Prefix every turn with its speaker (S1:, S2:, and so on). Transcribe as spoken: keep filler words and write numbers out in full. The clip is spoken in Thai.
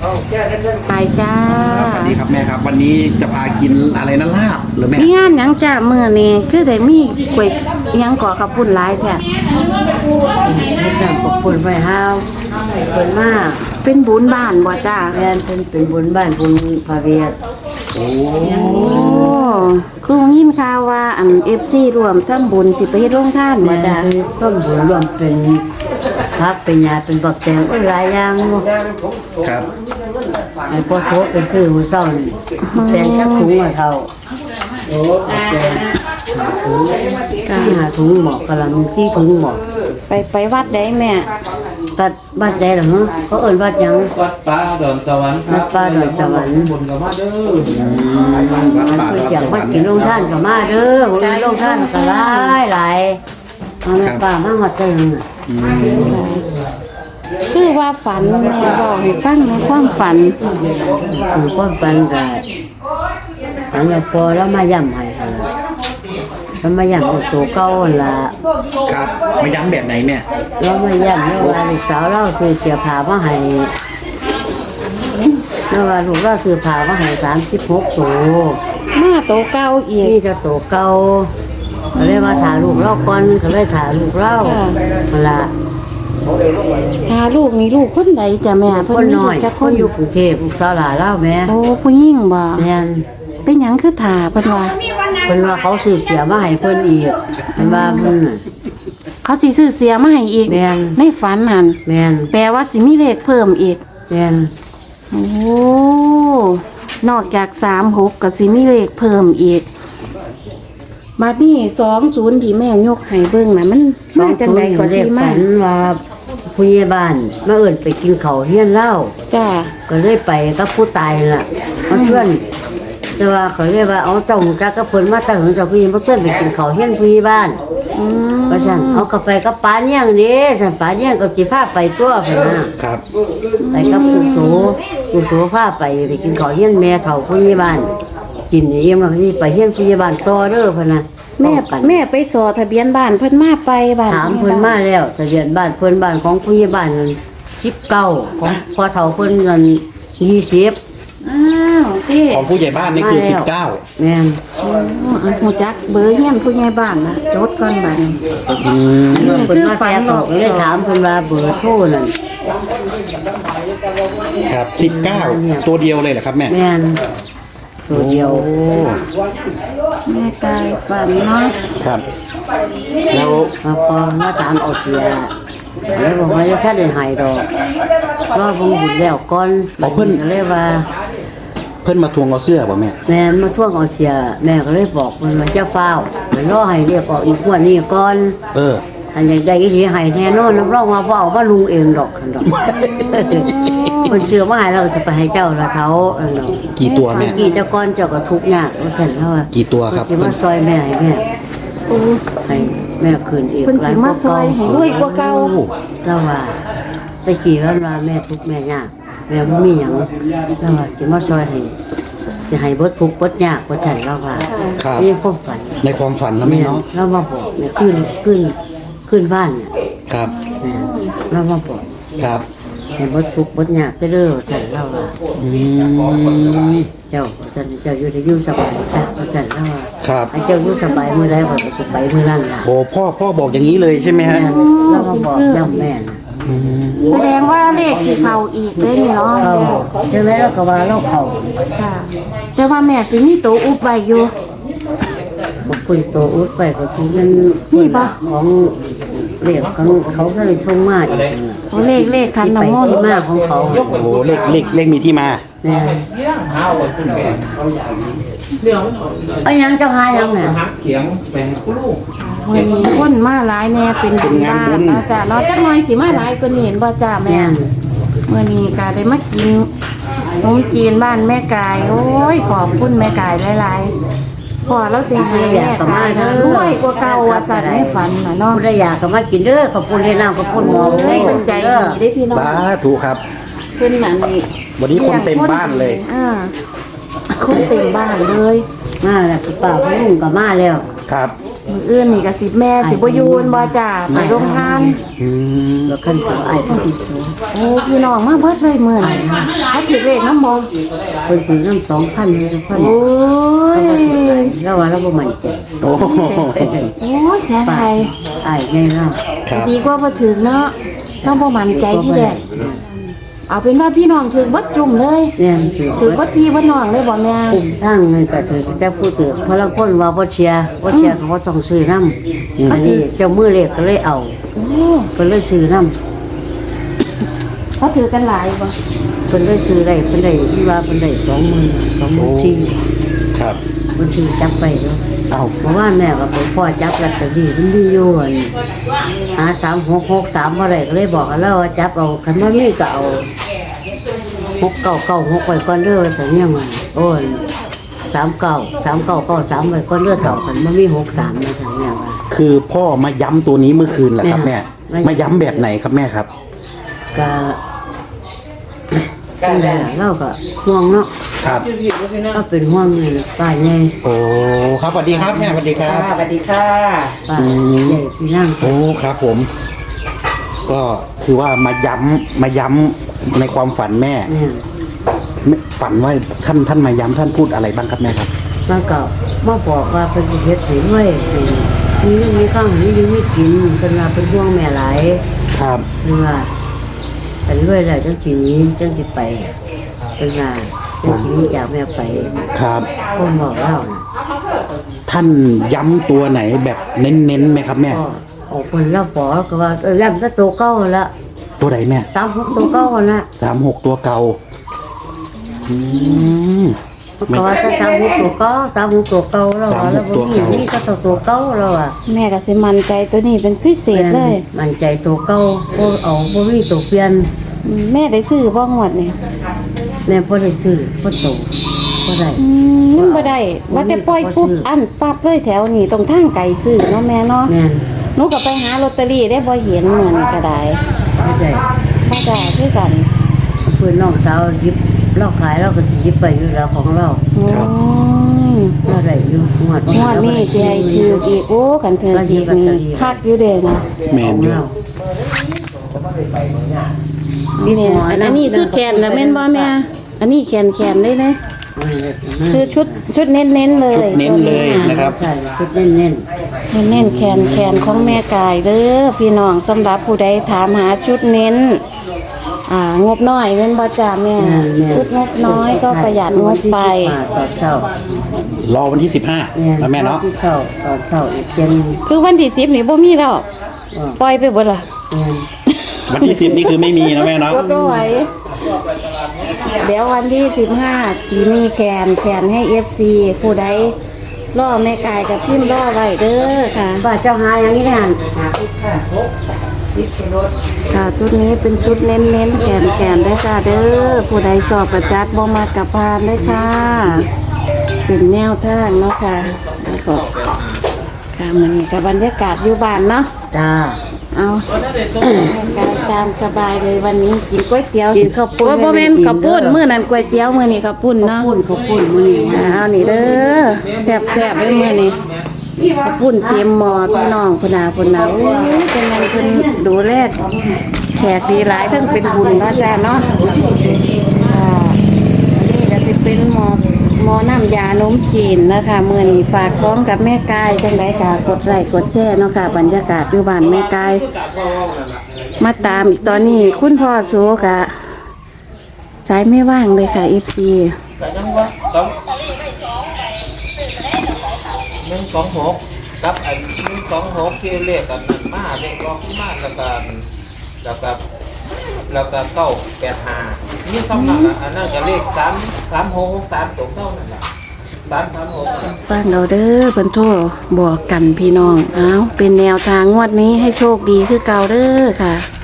S1: ไปจ้า
S2: สวัสดีครับแม่ครับวันนี้จะพากินอะไรนะลาบหรือแม่
S1: มีงานหยังจ้ามื้อนี้คือได้มีก๋วยหยังก่อกับปุ่นหลายแท้
S3: ไม่จำปกปุ่นไว้ห้าวเปินมาก
S1: เป็นบุญบ้านบ่จ้า
S3: แม่นเป็นเป็นบุญบ้านบุญพาเวียด
S2: โอ้
S1: โอ้คือยินข่าวว่าอัน เอฟ ซี รวมทำบุญสิไปเฮ็ดโรงทานบ่
S3: แม่
S1: จ้า
S3: คือต้นบุญรวมเป็นพักเป็นยาเป็นบักแตงหลายอย่าง
S2: ครับ
S3: ไอ้พอโซไปซื้อหัวเศร้านี่แตงจักถุงมาเท่าแตงที่หาถุงหมอกกำลังที่ถุงหมอก
S1: ไปไปวัดได้แม่
S3: วัดวัดใดเหรอฮะเขาเอิ้นวัดหยัง
S4: วัดป่าดอนสวรรค์
S3: วัดป่าดอนสวรรค์
S4: บนกับมาเด้อ
S3: มันคือเสียงวัดกินโรงท่านกับมาเด้อผมโรงท่านก็หลายหลายเอาแม่ป่ามาหอดเติงอ่ะ
S1: คือว่าฝันแม่บอกให้ฟังในความฝัน
S3: หลวงพ่อปันกับฝันว่าพอแล้วมาย่ำให้หั่นล่ะแล้วมาย่ำกับตัวเก่าหั่นล่ะ
S2: ครับมาย้ำแบบไหนแม่
S3: แล้วมาย่ำแล้วว่าลูกสาวเราซื้อเสียผ้ามาให้แล้วว่าลูกเราซื้อผ้ามาให้สามสิบหกตัว
S1: มาโตเก่าอีก
S3: นี่จะตัวเก่าก็เลยมาถ่ายลูกเราก่อนก็เลยถ่ายลูกเราหั่นล่ะ
S1: พาลูกนี่ลูกคนใดจ้ะแม่
S3: ค
S1: เพิ่
S3: น
S1: นมี
S3: น้
S1: ลู
S3: อก ย
S1: จัก
S3: ค
S1: คน น
S3: อยู่กรุงเทพลูกสาวหลานเล่าแม่
S1: โอ้ผู้หญิงบ่
S3: แม่น
S1: เป็นหยังคือถ่าเพิ่นว่า
S3: เพิ่นว่าเขาซื้อเสียมาให้เพิ่นอีกเพิ่นว่าเพิ่นน่ะ
S1: เขาสิซื้อเสียมาให้อีก
S3: แม่น
S1: ในฝันหั่น
S3: แม่น
S1: แปลว่าสิมีเลขเพิ่มอีก
S3: แม่น
S1: โอ้ นอกจากสามหกก็สิมีเลขเพิ่มอีกบัดนี้สองศูนย์ที่แม่ยกให้เบิ่งน่ะมันมาจังไดก็
S3: เรี
S1: ที่
S3: ยก
S1: มา
S3: ฝันว่าผู้ใหญ่บ้านมาเอิ้นไปกินข้าวเฮียนเหล้า
S1: จ้า
S3: ก็เลยไปกับผู้ตายล่ะมาชวนแต่ว่าเขาเรียกว่าเอาเจ้าหูจักกับเพิ่นมาแต่หึงเจ้าผู้หญิงมาชวนไปกินข้าวเฮียนผู้ใหญ่บ้าน
S1: อืม
S3: ก็ซั่นเอาก็ไปกับป้าเนี่ยงนี่ซั่นป้าเนี่ยงก็สิพาไปตัวเพิ่นน่ะ
S2: ครับ
S3: ไปกับผู้โสผู้โสพาไปไปกินข้าวเฮียนแม่เฒ่าผู้ใหญ่บ้านกินนี่เอ็มแล้วก็สิไปเฮียนผู้ใหญ่บ้านต่อเด้อเพิ่นน่ะ
S1: แม่
S3: กัน
S1: แม่ไปสอทะเบียนบ้านเพิ่นมาไปบ้าน
S3: ถามเพิ่นมาแล้วทะเบียนบ้านเพิ่นบ้านของผู้ใหญ่บ้านนั้นสิบเก้าของพ่อเฒ่าเพิ่นนั้นยี่สิบ
S1: อ้าวพี่
S2: ของผู้ใหญ่บ้านนี่คือสิบเก้า
S3: แม่น
S1: หูจักเบอร์เฮียนผู้ใหญ่บ้านนะจดก่อนบัดนี้
S2: อืม
S3: เพิ่นมาแก้บอกเลยถามเพิ่นว่าเบอร์โทรนั่น
S2: ครับสิบเก้าตัวเดียวเลยเหรอครับแม่
S3: แม่นตัวเดียว
S2: โอ้
S1: แม่กายฝันเนาะ
S2: ครับแล้ว
S3: มาพอมาตามเอาเสียแล้วบอกว่าจะถ้าได้หายดอกรอบ่บุญแล้วก่อนเลยว่า
S2: เพิ่นมาทวงเอาเสื้อป่ะแม่
S3: แม่มาท่วงเอาเสียแม่ก็เลยบอกมันว่าจะเฝ้าไปรอให้เรียกออกอีกงวดนี้ก่อน
S2: เออ
S3: อันใดใดอีหลีให้แน่นอนรับรองว่าบ่เอาว่าลุงเองดอกคันดอกคนเชื่อว่าให้เราสิไปให้เจ้าละเท้าอันเนาะ
S2: กี่ตัวแม่
S3: กี่เจ้าก้อนเจ้าก็ทุกข์ยากว่าซั่นเฮาว่า
S2: กี่ตัวครับ
S3: สิมาซอยแม่ให้แม่ให้แม่คืนอีก
S1: เพิ่นสิมาซอยให้รวยกว่าเก่า
S2: โอ้
S3: แล้วว่าตะกี้ว่าว่าแม่ทุกข์แม่ยากแม่บ่มีหยังแล้วว่าสิมาซอยให้สิให้บ่ทุกข์บ่ยากว่าซั่นแล้วว่า
S2: ครับ
S3: นี่ความฝัน
S2: ในความฝันนะแม่เนาะ
S3: เรามาบอกเนี่ยขึ้นขึ้นขึ้นบ้านเนี่ย
S2: ครับ
S3: นะเรามาบอก
S2: ครับ
S3: เห็นว่าทุกข์บดยากได้เด้อฉันเล่าว่า
S2: อืม
S3: เจ้าฉันเจ้าอยู่ได้อยู่สบายซะฉันเล่าว่า
S2: ครับ
S3: ไอ้เจ้าอยู่สบายมื้อใดก็สบายมื้อนั้นล่ะ
S2: โอ้พ่อพ่อบอกอย่างนี้เลยใช่ไหมฮะ
S3: แม่เรามาบอกย่ำแม่นะ
S1: แสดงว่าเลขสิเข้าอีกเด้นี่เนาะ
S3: เขาใช่ไหมเราก็ว่าเราเขา
S1: ค่ะ แต่ว่าแม่สิมีตัวอุบไว้อยู่
S3: บอกคุยโตอุดไปก็คือมัน
S1: นี่ปะ
S3: ของเรียกของเขาก็เลยส่งมาอีกนั่นล่ะ
S1: โอ้เลขเลขคัน
S3: ที่ไป
S1: น้ำมน
S3: ที่
S1: ต์
S3: มาของเขา
S2: โอ้โหเลขเลขเลขมีที่มา
S3: แม่
S4: เรื่อง
S3: เอาหยังเจ้าหาหยังน่ะ
S4: หักเขียงแบ่งคู่ลูก
S1: วันนี้คนมาหลายแน่เป็นบุญบ้านเนาะจ้ะเนาะจักหน่อยสิมาหลายกว่านี้เห็นบ่จ้าแม่
S3: แม่น
S1: เมื่อนี้ก็ได้มากินขนมจีนบ้านแม่กาย โอ้ยขอบคุณแม่กายหลายๆพอเราสิให้แม่กายนะรวยกว่าเก่าว่าสัตว์ในฝันน่ะเนาะ
S3: ผู้ใดอยากก็มากินเด้อขอบคุณที่น้ำขอบคุณหมอ
S1: โอ้ยมันใจดีได้พี่น้อง
S2: สาธุครับ
S1: เพิ่นน่ะนี่
S2: วันนี้คนเต็มบ้านเลย
S1: อ่าคนเต็มบ้านเลย
S3: มาแล้วพี่ป้าพี่ลุงก็มาแล้ว
S2: ครับ
S1: อืมื้ออื่นนี่ก็สิแม่สิบ่อยู่บ่จ้าไปโรงทาน
S2: อืม
S3: แล้วคันเขาไอ้คนที่สูง
S1: โอ้พี่น้องมาเบิดเลยมื้อนี้เขาถือเลขนำบ่
S3: เพิ่นถือน้ำสองพันเลยทุกคน
S1: โอ้ย
S3: แล้วว่าเราบ่มั่นใจ
S2: โอ้โห
S1: โอ้ยเสียดาย
S3: ไอ้ไงเนาะ
S2: ครับ
S1: ดีกว่าบ่ถึกเนาะเราบ่มั่นใจที่แรกเอาเป็นว่าพี่น้องถึกเบิดจุ่มเลย
S3: เนี่ยถือ
S1: ถึกเบิดพี่เบิดน้องเลยบ่แม่
S3: คุ้มทางเงินก็ถือแต่ผู้ถือเพราะละคนว่าบ่เชียร์บ่เชียร์เขาก็ต้องซื้อน้ำอันนี้เจ้ามือเลขก็เลยเอา
S1: โอ้
S3: เพิ่นเลยซื้อน้ำ
S1: เขาถือกันหลายบ่
S3: เพิ่นได้ซื้อได้เพิ่นได้ที่ว่าเพิ่นได้สองหมื่นสองหมื่นสี่
S2: ครับ
S3: เพิ่นซื้อจับไปเนาะ
S2: เอ้า
S3: เพราะว่าแม่ก็ไปพ่อจับลอตเตอรี่มันมีอยู่อั่นหาสามหกหกสามบ่ได้ก็เลยบอกกันแล้วว่าจับเอาคันบ่มีก็เอาหกเก้าเก้าหกไว้ก่อนเด้อแต่เนี่ยมันโอ้ยสามเก้าสามเก้าเก้าสามไว้ก่อนเด้อเท่ากันบ่มีหกสามนะทางแม่ว่า
S2: คือพ่อมาย้ำตัวนี้เมื่อคืนเหรอครับ
S3: แม่
S2: แม่มาย้ำแบบไหนครับแม่ครับ
S3: ก็จังได๋ล่ะเราก็ห่วงเนาะ
S2: ครับ
S3: ก็เป็นห่วงนี่ป้าใหญ่
S2: โอ้ครับสวัสดีครับแม่สวัสดีครับ
S1: สวัสดีค่ะ
S3: ป้าใหญ่ที่นั่ง
S2: โอ้ครับผม ก็คือว่ามาย้ำมาย้ำในความฝันแม่
S3: เนี่ย
S2: ฝันว่าท่านท่านมาย้ำท่านพูดอะไรบ้างครับแม่ครับ
S3: แล้วก็มาบอกว่าเป็นสิเฮ็ดให้ด้วยให้มีมีข้าวมีอยู่มีกินเพิ่นว่าเป็นห่วงแม่หลาย
S2: ครับ
S3: เพิ่นว่าเป็นด้วยแล้วจังสิหนี้จังสิไปเพิ่นว่าจังสิหนี้จากแม่ไป
S2: ครับ
S3: ผมบอกเล่านะ
S2: ท่านย้ำตัวไหนแบบเน้นๆไหมครับแม่
S3: ก็ออกเพิ่นเล่าบอกก็ว่าเออแล้วก็ตัวเก่าละ
S2: ตัวไหนแม่
S3: สามหกตัวเก่าละ
S2: สามหกตัวเก่าอืม
S3: ก็ว่าจะสามหกตัวเก่าสามหกตัวเก่าแล้วว่าแล้วบ่มีนี่ก็ตัวตัวเก่าแล้วอ่ะ
S1: แม่ก็สิมั่นใจตัวนี้เป็นพิเศษเลย
S3: มันใจตัวเก่าบ่เอาบ่มีตัวเปลี่ยน
S1: อืมแม่ได้ซื้อบ่งวดนี่
S3: แม่บ่ได้ซื้อบ่โตบ่ได้
S1: อืมบ่ได้ว่าแต่ปล่อยปุ๊บอันปั๊บเลยแถวนี้ตรงทางไกลซื้อเนาะแม่เนาะ
S3: แม่น
S1: หนูก็ไปหาลอตเตอรี่ได้บ่เห็นเหมือนก็ได้
S3: บ่ได้
S1: บ่ได้คือกัน
S3: เพื่อนน้องสาวหยิบเราขายเราก็สิหยิบไปอยู่แล้วของเรา
S1: อืม
S3: เราได้อยู่งวด
S1: งวดนี้สิให้ถืออีกโอ้คันถืออีกนี่คักอยู่เด้นะ
S2: แมนอยู่
S1: นี่เนี่ยอันอันนี้สุดแขนแล้วแม่นบ่แม่อันนี้แขนแขนเลยนะคือชุดชุดเน้นๆเลย
S2: เน้นเลยนะครับ
S3: ใช่ชุดเน้น
S1: เน้นๆแขนแขนของแม่กายเด้อพี่น้องสำหรับผู้ใดถามหาชุดเน้น อ่างบน้อยแม่นบ่จ้าแม่
S3: ๆ
S1: ชุดงบน้อยก็ประหยัดงบไป
S3: ตอนเช้าร
S2: อวันที่สิบห้าแล้วแม่เนาะ
S3: ที่เช้าตอนเช้าอีกเจน
S1: คือวันที่สิบนี่บ่มีแล้วปล่อยไปเบิดล่ะ
S2: วันที่สิบนี่คือไม่มีนะแม่เนาะ
S1: กดบ่ไหวเดี๋ยววันที่สิบห้าสีมีแขนแขนให้ เอฟ ซี ผู้ใดล่อแม่กายกับพิมพ์ล่อไว้เด้อค่ะ
S3: ป้าเจ้าหาอย่างนี้นั่น
S1: ค่ะชุดนี้เป็นชุดเน้นๆแขนแขนได้อค่ะเด้อผู้ใดชอบประจัดบ่มากับพานได้อค่ะ เป็นแนวทางเนาะค่ะแล้วก็ค่ะมันนี่กับบรรยากาศอยู่บ้านเนาะ
S3: จ้า
S1: เอากายตามสบายเลยวันนี้กินก๋วยเตี๋ยว
S3: กินข้าวปุ้น
S1: โอ้บ่แม่นข้าวปุ้นมื้อนั้นก๋วยเตี๋ยวมื้อนี้ข้าวปุ้น
S3: ข้าว
S1: เนาะ
S3: ปุ้นข้าวปุ้นมื้อนี้
S1: อ่าเอานี่เด้อแซ่บๆเลยมื้อนี้ข้าวปุ้นเต็มหม้อพี่น้องพุ่นน่ะพุ่นน่ะโอ้ยเป็นไงเพิ่นดูแลแขกดีหลายทั้งเป็นบุญเนาะจ้าเนาะค่ะอันนี้ก็สิเป็นหม้อหม้อน้ำยานมจีนนะคะมื้อนี้ฝากท้องกับแม่กายจังได๋ค่ะกดไลค์กดแชร์เนาะค่ะบรรยากาศอยู่บ้านแม่กาย มาตามอีกตอนนี้คุณพ่อโซกะสายไม่ว่างเลยค่ะ เอฟ ซี
S4: แต่ยังว่าต้องหนึ่งสองหกกับไอ้หนึ่งสองหกที่เรียกกันนั่นมาเรียกร้องมาแล้วก็แล้วก็แล้วก็เก้าแปดห้านี่สำนักอ่ะอันนั้นก็เลขสามสามหกสามตกเท่านั่นแหละสามสามหก
S1: ฟังเราเด้อเพิ่นโทรบอกกันพี่น้อง เอาเป็นแนวทางงวดนี้ให้โชคดีคือเก่าเด้อค่ะ